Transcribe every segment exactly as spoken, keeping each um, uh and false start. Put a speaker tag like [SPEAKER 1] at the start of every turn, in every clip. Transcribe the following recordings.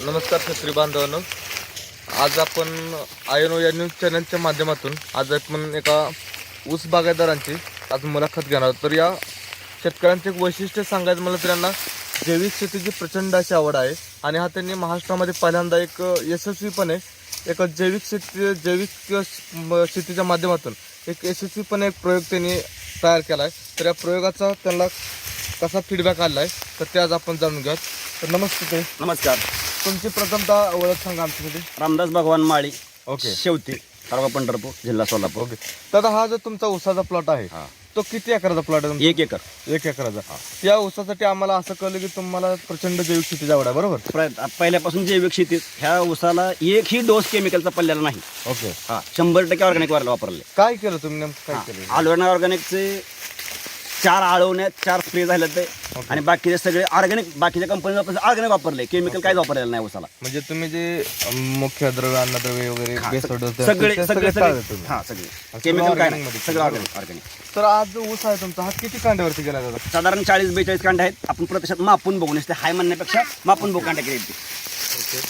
[SPEAKER 1] नमस्कार शेतकरी बांधवांनो, आज आपण आयनो या न्यूज चॅनलच्या माध्यमातून आज आपण एका ऊस बागायतदारांची आज मुलाखत घेणार आहोत. तर या शेतकऱ्यांचे एक वैशिष्ट्य सांगायचं मला तर यांना जैविक शेतीची प्रचंड अशी आवड आहे आणि हा त्यांनी महाराष्ट्रामध्ये पहिल्यांदा एक यशस्वीपणे एक जैविक शेती जैविक शेतीच्या माध्यमातून एक यशस्वीपणे एक प्रयोग त्यांनी तयार केला आहे. तर या प्रयोगाचा त्यांना कसा फीडबॅक आला आहे तर ते आज आपण जाणून घेऊयात. तर नमस्ते ते
[SPEAKER 2] नमस्कार.
[SPEAKER 1] तुमची प्रथमतः ओळख सांगा आमच्यामध्ये.
[SPEAKER 2] रामदास भगवान माळी,
[SPEAKER 1] ओके.
[SPEAKER 2] शेवती, तालुका पंढरपूर, जिल्हा सोलापूर.
[SPEAKER 1] ओके. तर हा जो तुमचा ऊसाचा प्लॉट आहे
[SPEAKER 2] हा.
[SPEAKER 1] तो किती एकराचा प्लॉट आहे?
[SPEAKER 2] एक एकर.
[SPEAKER 1] एक एकराचा. या ऊसासाठी आम्हाला असं कळलं की तुम्हाला प्रचंड जैविक शेतीची आवड आहे, बरोबर?
[SPEAKER 2] प्र- पहिल्यापासून जैविक शेतीत ह्या ऊसाला एकही डोस केमिकलचा पडलेला नाही.
[SPEAKER 1] ओके.
[SPEAKER 2] हा, शंभर टक्के ऑर्गॅनिक वापरले.
[SPEAKER 1] काय केलं तुम्ही, नेमकं काय केलं?
[SPEAKER 2] आलोना ऑर्गॅनिकचे चार आळवण्यात चार स्प्रे झाले ते आणि बाकीचे सगळे ऑर्गॅनिक, बाकीच्या कंपनी ऑर्गॅनिक वापरले. केमिकल काहीच वापरलेलं नाही ऊसाला.
[SPEAKER 1] म्हणजे तुम्ही जे अं, मुख्य द्रव्य अन्नद्रव्य वगैरे
[SPEAKER 2] हा,
[SPEAKER 1] बेसड होतं,
[SPEAKER 2] सगळे
[SPEAKER 1] ते
[SPEAKER 2] सगळे
[SPEAKER 1] सगळे
[SPEAKER 2] सगळे
[SPEAKER 1] टाळले तुम्ही.
[SPEAKER 2] हा सगळे
[SPEAKER 1] सगळं
[SPEAKER 2] केमिकल काय
[SPEAKER 1] organic
[SPEAKER 2] नाही,
[SPEAKER 1] मध्ये
[SPEAKER 2] सगळं
[SPEAKER 1] केलं.
[SPEAKER 2] Organic organic.
[SPEAKER 1] तर आज जो ऊस आहे तुमचा हा किती कांड्यावरती गेला दादा?
[SPEAKER 2] साधारण चाळीस बेचाळीस कांडे आहेत. आपण प्रत्यक्षात मापून बघून असते, हाय म्हणण्यापेक्षा मापून बघू कांडे केले.
[SPEAKER 1] ओके.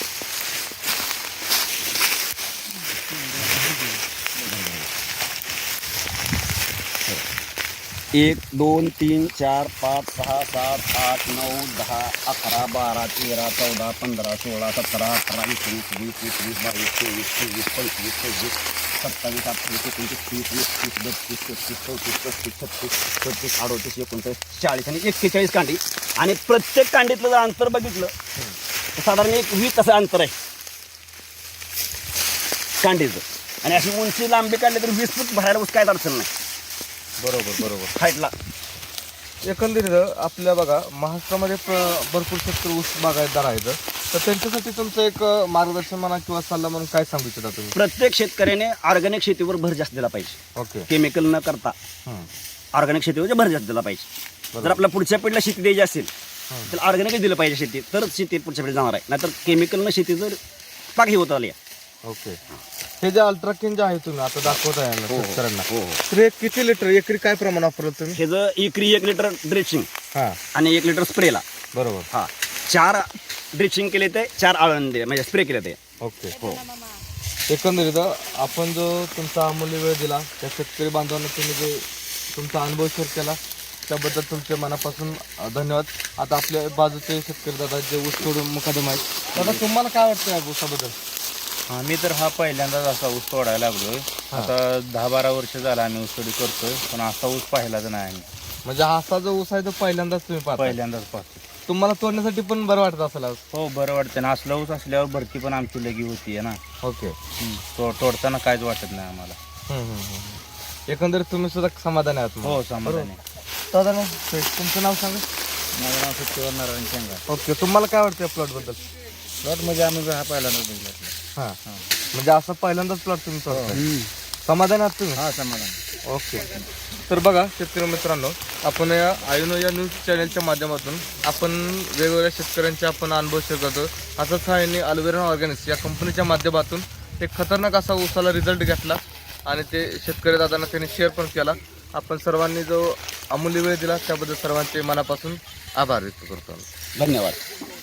[SPEAKER 2] एक दोन तीन चार पाच सहा सात आठ नऊ दहा अकरा बारा तेरा चौदा पंधरा सोळा सतरा अठरा एकोणीस वीस एकवीस बावीस तेवीस चोवीस पंचवीस सव्वीस सत्तावीस अठ्ठावीस एकोणतीस तीस वीस तीस बत्तीस तेहतीस चौतीस पस्तीस छत्तीस सदतीस अडोतीस एकोणचाळीस चाळीस आणि एक्केचाळीस कांडी. आणि प्रत्येक कांडीतलं जर अंतर बघितलं तर साधारण एक वीस असं अंतर आहे कांडीचं. आणि अशी उंची लांबी काढली तर वीस फूट भरायला ऊस काय अडचण नाही.
[SPEAKER 1] बरोबर बरोबर.
[SPEAKER 2] हाईटला
[SPEAKER 1] एकंदरीत आपल्या बघा महाराष्ट्रामध्ये प- भरपूर शेतकरी ऊस बागायतदार आहेत. तर त्यांच्यासाठी तुमचं एक मार्गदर्शन म्हणा किंवा सल्ला म्हणून काय सांगू इच्छिता तुम्ही?
[SPEAKER 2] प्रत्येक शेतकऱ्याने ऑर्गॅनिक शेतीवर भर जास्त दिला पाहिजे.
[SPEAKER 1] ओके.
[SPEAKER 2] केमिकल न करता
[SPEAKER 1] हं.
[SPEAKER 2] ऑर्गॅनिक शेतीवर भर जास्त दिला पाहिजे. जर आपल्या पुढच्या पिढीला शेती द्यायची असेल तर ऑर्गॅनिकच दिलं पाहिजे शेती, तरच शेती पुढच्या पिढी जाणार आहे. नाहीतर केमिकल न शेती जर पाकी होत आली.
[SPEAKER 1] ओके. हे जे अल्ट्राकिन जे आहे तुम्ही आता दाखवत आहे ना
[SPEAKER 2] हो, हो.
[SPEAKER 1] शेतकऱ्यांना,
[SPEAKER 2] हो, हो.
[SPEAKER 1] तर हे किती लिटर एकरी काय प्रमाण वापरलं तुम्ही?
[SPEAKER 2] हे जर एकरी एक लिटर ड्रेचिंग
[SPEAKER 1] हा
[SPEAKER 2] आणि एक लिटर स्प्रेला,
[SPEAKER 1] बरोबर.
[SPEAKER 2] हा चार ड्रेचिंग केले ते चार आळंदे म्हणजे स्प्रे केले ते.
[SPEAKER 1] ओके.
[SPEAKER 2] हो.
[SPEAKER 1] एकंदरीत आपण जो तुमचा अमूल्य वेळ दिला त्या शेतकरी बांधवांना तुम्ही जे तुमचा अनुभव शेअर केला त्याबद्दल तुमचे मनापासून धन्यवाद. आता आपल्या बाजूचे शेतकरी दादा जे ऊस तोडून मुकादम आहेत, दादा तुम्हाला काय वाटतं या ऊसाबद्दल?
[SPEAKER 3] आम्ही तर हा पहिल्यांदाच असा ऊस तोडायला लागलोय. आता दहा बारा वर्ष झाला आम्ही ऊस तोडी करतोय, पण असा ऊस पाहिलाच नाही आम्ही.
[SPEAKER 1] म्हणजे हा असा जो ऊस आहे तो पहिल्यांदाच तुम्ही पाहता?
[SPEAKER 3] पहिल्यांदाच पाहतो.
[SPEAKER 1] तुम्हाला तोडण्यासाठी पण बरं वाटत असेल आज?
[SPEAKER 3] हो, बरं वाटतं ना. असला ऊस असल्यावर भरती पण आमची लगी होतीये ना.
[SPEAKER 1] ओके.
[SPEAKER 3] हम्म. तो तोडताना काहीच वाटत नाही आम्हाला.
[SPEAKER 1] हम्म, हम्म, हम्म. एकंदरीत तुम्ही सुद्धा समाधानी आहात मग?
[SPEAKER 3] हो, समाधानी.
[SPEAKER 1] दादा ना तुमचं नाव सांगा.
[SPEAKER 3] माझं नाव सत्यवर नारायण शेंगा.
[SPEAKER 1] ओके. तुम्हाला काय वाटतं या प्लॉट बद्दल?
[SPEAKER 3] प्लॉट म्हणजे आम्ही हा पहिल्यांदाच बघितला.
[SPEAKER 1] हा म्हणजे असं पहिल्यांदाच प्लॉट तुम्ही तोडताय. समाधानी आहात तुम्ही?
[SPEAKER 3] हा, समाधान.
[SPEAKER 1] ओके. तर बघा शेतकरी मित्रांनो, आपण या आयुनो या न्यूज चॅनलच्या माध्यमातून आपण वेगवेगळ्या शेतकऱ्यांचे आपण अनुभव शेअर करतो. असंच हा यांनी अल्वेरा ऑर्गॅनिक्स या कंपनीच्या माध्यमातून एक खतरनाक असा ऊसाला रिझल्ट घेतला आणि ते शेतकरी दादांना त्यांनी शेअर पण केला. आपण सर्वांनी जो अमूल्य वेळ दिला त्याबद्दल सर्वांचे मनापासून आभार व्यक्त करतो.
[SPEAKER 2] धन्यवाद.